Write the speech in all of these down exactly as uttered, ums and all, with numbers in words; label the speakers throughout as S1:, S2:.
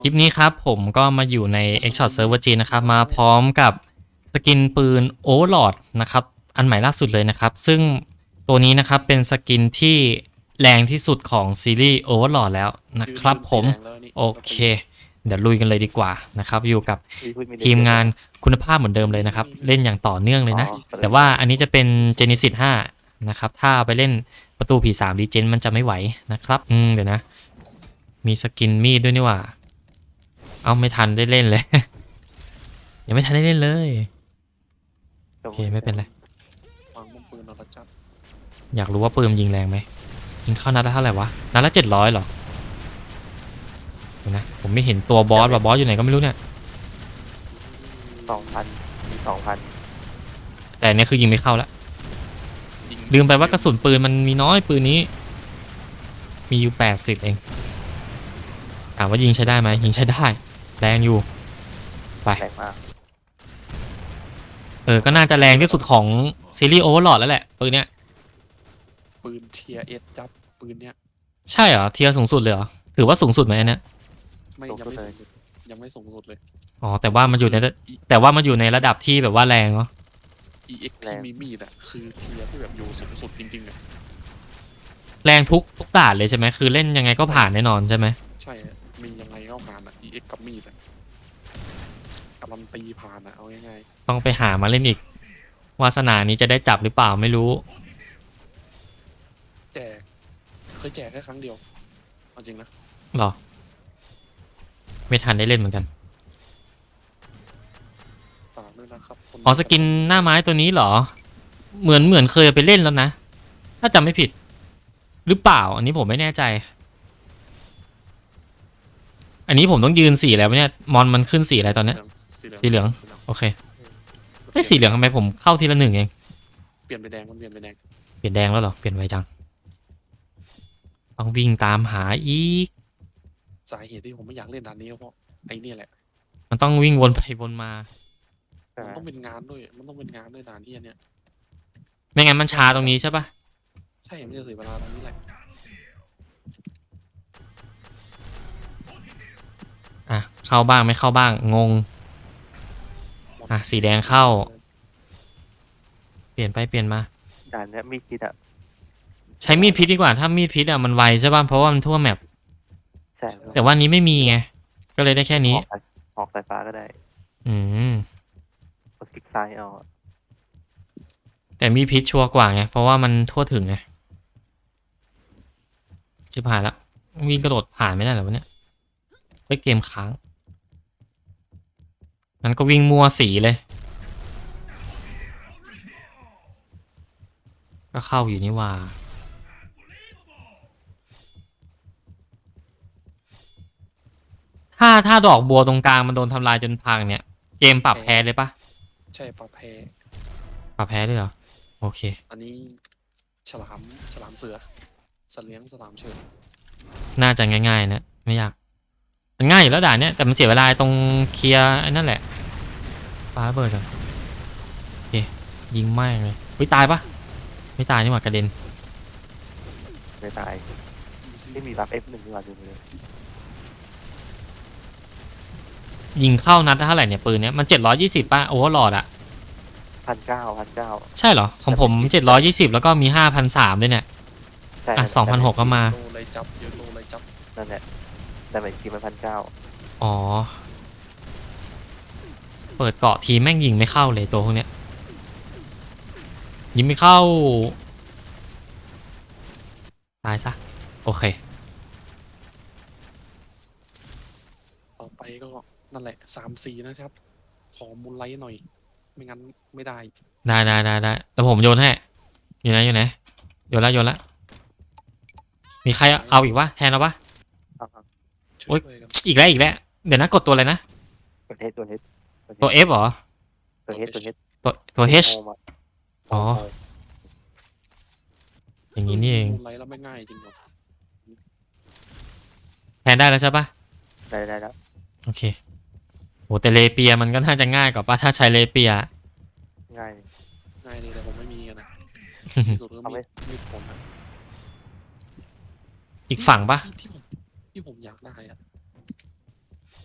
S1: คลิปนี้ครับผมก็มาอยู่ใน Xshot Server จีนนะครับมาพร้อมกับสกินปืน Overlord นะครับอันใหม่ล่าสุดเลยนะครับซึ่งตัวนี้นะครับเป็นสกินที่แรงที่สุดของซีรีส์ Overlord แล้วนะครับผมโอเคเดี๋ยวลุยกันเลยดีกว่านะครับอยู่กับทีมงานคุณภาพเหมือนเดิมเลยนะครับเล่นอย่างต่อเนื่องเลยนะแต่ว่าอันนี้จะเป็น Genesis ห้านะครับถ้าไปเล่นประตูผีสาม Regen มันจะไม่ไหวนะครับอืมเดี๋ยวนะมีสกินมีดด้วยนี่หว่าเอาไม่ทันได้เล่นเลย ยังไม่ทันได้เล่นเลยโอเคไม่เป็นไรอยากรู้ว่าปืนยิงแรงไหมยิงเข้านัดละเท่าไหร่วะนัดละเจ็ดร้อยเหรอเดี๋ยวนะผมไม่เห็นตัวบอสว่าบอสอยู่ไหนก็ไม่รู้เนี่ย
S2: สองพันมีสองพัน
S1: แต่เนี่ยคือยิงไม่เข้าแล้วลืมไปว่ากระสุนปืนมันมีน้อยปืนนี้มีอยู่แปดสิบเองถามว่ายิงใช้ได้ไหมยิงใช้ได้แรงอยู่ไป
S2: แรงมาก
S1: เออก็น่าจะแรงที่สุดของซีรีส์โอเวอร์ลอดแล้วแหละปืนเนี้ย
S3: ปืนเทียเอสจับปืนเนี้ย
S1: ใช่เหรอเทียร์สูงสุดเลยเหรอถือว่าสูงสุดไหมอันเนี้ย
S3: ไม่ยังไม่สูงสุดยังไม่สูงสุดเลย
S1: อ๋อแต่ว่ามันอยู่ในแต่ว่ามันอยู่ในระดับที่แบบว่าแรงเนาะ
S3: อี เอ็กซ์ ที่มีมีดอ่ะคือเทียที่แบบอยู่สูงสุดจริงๆอ่ะ
S1: แรงทุกทุกด่านเลยใช่ไหมคือเล่นยังไงก็ผ่านแน่นอนใช่ไหม
S3: ใช่มียังไงก็ผ่านอ่ะ อี เอ็กซ์ กับมีดอ่ะการันตีผ่านอ่ะเอาง่าย
S1: ต้องไปหามาเล่นอีกวาสนานี้จะได้จับหรือเปล่าไม่รู้
S3: แจกเคยแจกแค่ครั้งเดียวเอาจริงนะ
S1: หรอไม่ทันได้เล่นเหมือนกัน
S3: ฝากด้วยนะครับ
S1: อ๋อสกินหน้าไม้ตัวนี้เหรอเหมือนเหมือนเคยไปเล่นแล้วนะถ้าจำไม่ผิดหรือเปล่าอันนี้ผมไม่แน่ใจอันนี้ผมต้องยืนสีแล้วเนี่ยมอนมันขึ้นสีอะไรตอนนี้สีเหลืองโอเคไอ้สีเหลืองทำไมผมเข้าทีละหนึ่งเอง
S3: เปลี่ยนไปแดงมันเปลี่ยนไปแดง
S1: เปลี่ยนแดงแล้วเหรอเปลี่ยนไวจังต้องวิ่งตามหาอีก
S3: สาเหตุที่ผมไม่อยากเล่นด่านนี้ก็เพราะไอ้นี่แหละ
S1: มันต้องวิ่งวนไปวนมา
S3: มันต้องเป็นงานด้วยมันต้องเป็นงานด้วยด่านที่อันเนี้ย
S1: ไม่งั้นมันช้าตรงนี้ใช่ปะ
S3: ใช่ไม่จะเสียเวลาตรงนี้แหละ
S1: อ่ะเข้าบ้างไม่เข้าบ้างงงอ่ะสีแดงเข้าเปลี่ยนไปเปลี่ยนมา
S2: ด่านเนี้ยมีคิดอะ
S1: ใช้มีดพิษดีกว่าถ้ามีดพิษอ่ะมันไวใช่ป่ะเพราะว่ามันทั่วแมป
S2: ใช่
S1: แต่ว่านี้ไม่มีไงก็เลยได้แค่นี้
S2: ออกสายฟ้าก็ได้
S1: อืม
S2: กดคลิกซ้ายเอา
S1: แต่มีพิษชัวร์กว่าไงเพราะว่ามันทั่วถึงไงจะผ่านแล้ววิ่งกระโดดผ่านไม่ได้เหรอวะเนี่ยไปเกมค้างงั้นก็วิ่งมัวสีเลยก็เข้าอยู่นี่ว่าถ้าถ้าดอกบัวตรงกลางมันโดนทำลายจนพังเนี่ยเกมปรับแพ้เลยปะ
S3: ใช่ปรับแพ้
S1: ปรับแพ้ด้วยเหรอโอเค
S3: อันนี้ฉลามฉลามเสือสัตว์เลี้ยงฉลามเชิญ
S1: น่าจะง่ายๆนะไม่ยากมันง่ายอยู่แล้วด่านเนี้ยแต่มันเสียเวลาตรงเคลียร์ไอ้นั่นแหละปาระเบิดก่อนโอเคยิงไม่เลยเฮ้ยตายปะไม่ตายนี่หว่ากระเด็น
S2: ไม่ตายไม่มีรับ เอฟ หนึ่งดีกว่าดูเลย
S1: ยิงเข้านัดเท่าไหร่เนี่ยปืนเนี้ยมันเจ็ดร้อยยี่สิบป่ะโอเวอร์ลอดอะ
S2: พันเก้าพันเก้า
S1: ใช่เหรอของผมเจ็ดร้อยยี่สิบแล้วก็มีห้าพันสามด้วยเนี่ยอ่ะสองพันหกก็มา
S3: โลไรจับเยอะโลไรจับ
S2: นั่นแหละแต่ไม่คิดมันพันเก้า
S1: อ๋อเปิดเกาะทีแม่งยิงไม่เข้าเลยตัวพวกเนี้ยยิงไม่เข้าตายซะโอเค
S3: ต่อไปก็นั่นแหละสามสี่นะครับขอมูลไลท์หน่อยไม่งั้นไม่ได้
S1: ได้ได้ได้ได้แต่ผมโยนให้อยู่ไหนอยู่ไหนโยนละโยนละมีใครเอาอีกวะแทนเราปะโอ๊ยอีกแล้วอีกแล้วเดี๋ยวนะกดตัวอะไรนะ
S2: ตัวเฮดตัวเฮด
S1: ตัว F เหรอ
S2: ตัวเฮดตัวเฮด
S1: ตัวตัว H อ๋ออย่างนี้นี่เอง
S3: มูลไลท์แล้วไม่ง่ายจริงหรอ
S1: แทนได้แล้วใช่ปะ
S2: ได้ได้แล้ว
S1: โอเคโหแต่เลเปียมันก็น่าจะง่ายกว่าป่ะถ้าใช้เลเปีย
S2: ง่าย
S3: ง่ายเลยแต่ผมไม่มีกันนะสุดก็มีมีฝนนะ
S1: อีกฝั่งปะ
S3: ที่ผมที่ผมอยากได้อะ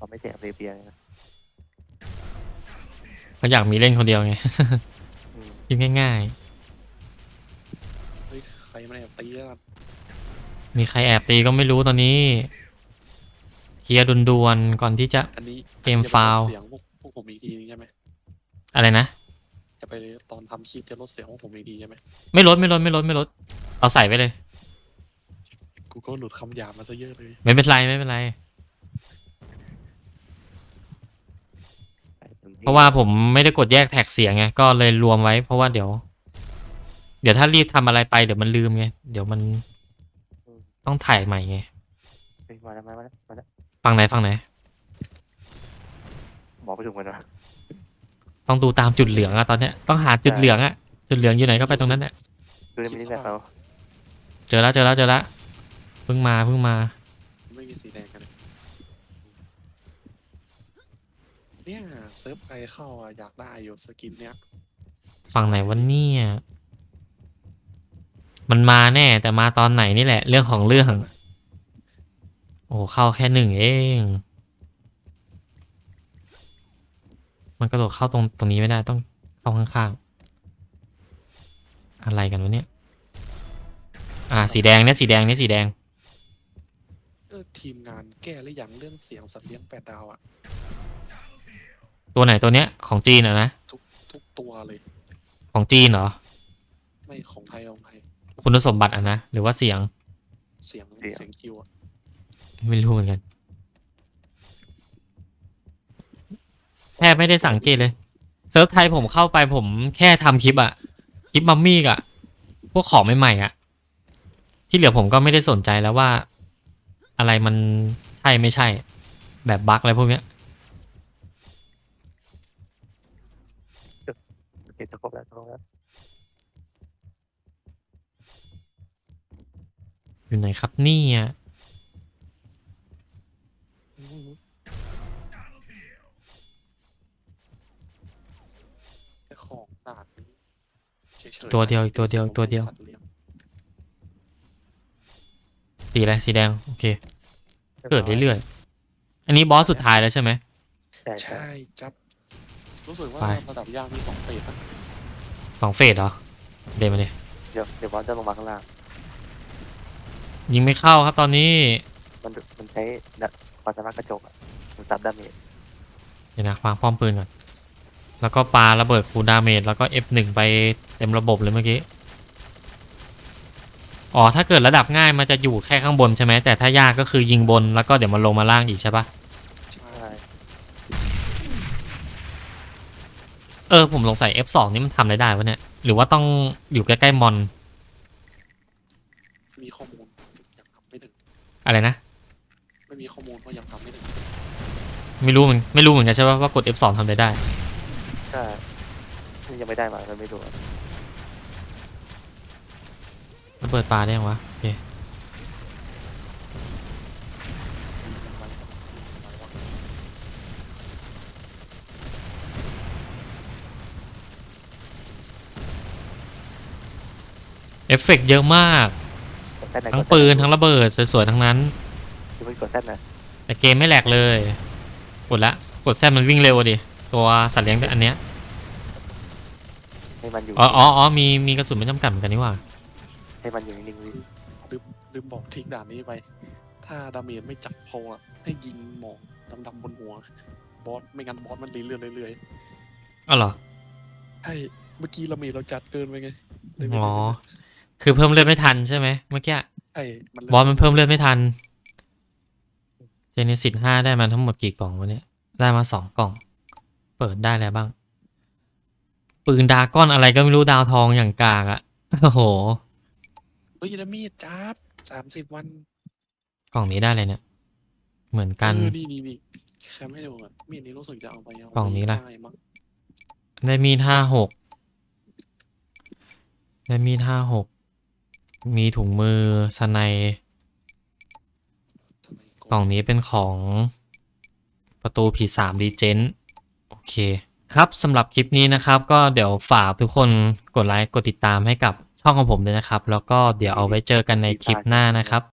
S2: เขาไม่เสียเบียร์เลยนะ
S1: ก็อยากมีเล่นคนเดียวไง
S2: อืม
S1: คิดง่าย
S3: เฮ้ยใครมาแอบตีแล้วกัน
S1: ๆ มีใครแอบตีก็ไม่รู้ตอนนี้เคลียร์ด่วนๆก่อนที่จะ
S3: อันนี้
S1: เกม
S3: อันนี้จะไปลด
S1: ฟาวล์
S3: เสียงพวกพวกผมอีกทีนึงใช่ไหม
S1: อะไรนะ
S3: จะไปตอนทำคลิปจะลดเสียงพวกผมอีกทีใช่ไหม
S1: ไม่ลดไม่ลดไม่ลดไม่ลดเอาใส่ไปเลย
S3: กูก็หลุดคำหยาบมาซะเยอะเลย
S1: ไม่เป็นไรไม่เป็นไร
S2: ใส่ต็มที่
S1: เพราะว่าผมไม่ได้กดแยกแท็กเสียงไงก็เลยรวมไว้ เพราะว่าเดี๋ยว เดี๋ยวถ้ารีบทำอะไรไปเดี๋ยวมันลืมไงเดี๋ยวมันต้องถ่ายใหม่ไง
S2: เฮ้ยมาแล้วมาแล้วมาแล้ว
S1: ฟังไหนฟังไหน
S2: บอกไปถูกมันนะ
S1: ต้องดูตามจุดเหลืองอะตอนเนี้ยต้องหาจุดเหลืองอะจุดเหลืองอยู่ไหนก็ไปตรงนั้นแหละ
S2: คือไม่ได้แบบเรา
S1: เจอแล้วเจอแล้วเจอแล้วเพิ่งมาเพิ่งมา
S3: ไม่มีสีแดงกันเลยเนี่ยเซิร์ฟใครเข้าอ่ะอยากได้อยู่สกินเนี้ย
S1: ฝั่งไหนวันนี้มันมาแน่แต่มาตอนไหนนี่แหละ เรื่องของเรื่อง โอ้เข้าแค่หนึ่งเอง มันกระโดดเข้าตรงตรงนี้ไม่ได้ต้องเข้าข้างๆอะไรกันวะเนี่ยอ่าสีแดงเนี่ยสีแดงเนี่ยสีแดง
S3: เออทีมงานแก้หรือยังเรื่องเสียงสัตว์เลี้ยงแปดดาวอ่ะ
S1: ตัวไหนตัวเนี้ยของจีนเหรอะนะ
S3: ทุกทุกตัวเลย
S1: ของจีนเหรอ
S3: ไม่ของไทยของไทย
S1: คุณสมบัติอ่ะนะหรือว่าเสียง
S3: เสียงเสียงคิวอ่ะ
S1: ไม่รู้เหมือนกันแทบไม่ได้สังเกตเลยเซิร์ฟไทยผมเข้าไปผมแค่ทำคลิปอะคลิปมัมมี่อะพวกของใหม่ๆอะที่เหลือผมก็ไม่ได้สนใจแล้วว่า อะไรมันใช่ไม่ใช่ แบบบั๊กอะไรพวกเนี้ย
S2: โอเคจะครบแล้วจะครบแล้ว
S1: อยู่ไหนครับเนี่ย
S3: แค่ของด่านนี้เฉยๆ
S1: ตัวเดียวอีกตัวเดียวอีกตัวเดียว
S3: สัตลี้ง
S1: สีอะไรสีแดงโอเค เกิดเรื่อยๆอันนี้บอสสุดท้ายแล้วใช่ไหม
S2: ใช่ใช่
S3: ใช่จับ รู้สึกว่า
S1: ไป
S3: ระดับยากมีสองเฟสนะ
S1: สองเฟสเหรอเดนมาเลย
S2: เดี๋ยวเดี๋ยวบอสจะลงมาข้างล่าง
S1: ยิงไม่เข้าครับตอนนี้
S2: มันมันใช้ดะความสามารถกระจกอะมันซับดาเมจ
S1: เดี๋ยวนะวางป้อมปืนก่อนแล้วก็ปาระเบิดคูลดาเมจแล้วก็ เอฟ หนึ่ง ไปเต็มระบบเลยเมื่อกี้อ๋อถ้าเกิดระดับง่ายมันจะอยู่แค่ข้างบนใช่ไหมแต่ถ้ายากก็คือยิงบนแล้วก็เดี๋ยวมันลงมาล่างอีกใช่ปะ
S3: ใช่
S2: ใช่
S1: เออผมสงสัย เอฟ สอง นี่มันทำอะไรได้วะเนี่ยหรือว่าต้องอยู่ใกล้ๆมอน
S3: มีข้อมูลยังทำไม่ถึง
S1: อะไรนะ
S3: ไม่มีข้อมูลว่ายังทำไม่ถึง
S1: ไม่รู้เหมือนไม่รู้เหมือนกันใช่ปะว่ากด เอฟ สอง ทำอะไรได้
S2: ใช่นี่ยังไม่ได้มาเราไม่รู้อะ
S1: ระเบิดปลาได้ยังวะโอเคเอฟเฟกต์เยอะมาก
S2: กดแซดไหน
S1: ทั้ง
S2: กดแซด
S1: ปืนทั้งระเบิดสวยๆทั้งนั้น
S2: คือไม่กดแซดนะ
S1: แต่เกมไม่แหลกเลย กดละ กดแซมมันวิ่งเร็วอะดิ ตัวสัตว์เลี้ยงอันเนี้ย
S2: ให้มันอยู่
S1: อ๋ออ๋ออ๋อมีมีกระสุนไม่จำกัดเหมือนกันนี่หว่า
S2: ให้มันอยู่นิ่งๆวิ
S3: ลืมลืมบอกทริกด่านนี้ไป ถ้าดาเมจไม่จับพออะให้ยิงหมอกดำๆบนหัว บอสไม่งั้นบอสมันเรื่อยๆเรื่อย
S1: อ๋อเหรอ
S3: ๆใช่เมื่อกี้ดาเมจเราจัดเกินไปไงเลยไม่
S1: อ๋อ
S3: ได้
S1: คือเพิ่มเลือดไม่ทันใช่ไหมเมื่อกี้
S3: ใช่มัน
S1: บอสมันเพิ่มเลือดไม่ทัน เจเนซิสห้าได้มาทั้งหมดกี่กล่องวะเนี่ย ได้มาสองกล่อง เปิดได้แล้วบ้าง ปืนดราก้อนอะไรก็ไม่รู้ดาวทองอย่างกากอะโอ้โห
S3: เฮ้ยดาเมจจับสามสิบวัน
S1: กล่องนี้ได้เลยเนี่ย เหมือนกัน
S3: เออนี่นี่นี่แคมให้ดูอ่ะมีดนี้รู้สึกจะเอาไปเอา
S1: กล่องนี้ล่ะ
S3: ได้มั้ง
S1: ได้มีดห้าหกได้มีดห้าหกมีถุงมือสไนด์
S3: ทำไม
S1: กล่องนี้เป็นของประตูผีสามดีเจนโอเค ครับสำหรับคลิปนี้นะครับ ก็เดี๋ยวฝากทุกคนกดไลค์กดติดตามให้กับช่องของผมด้วยนะครับ แล้วก็เดี๋ยวเอาไว้เจอกันในคลิปหน้านะครับ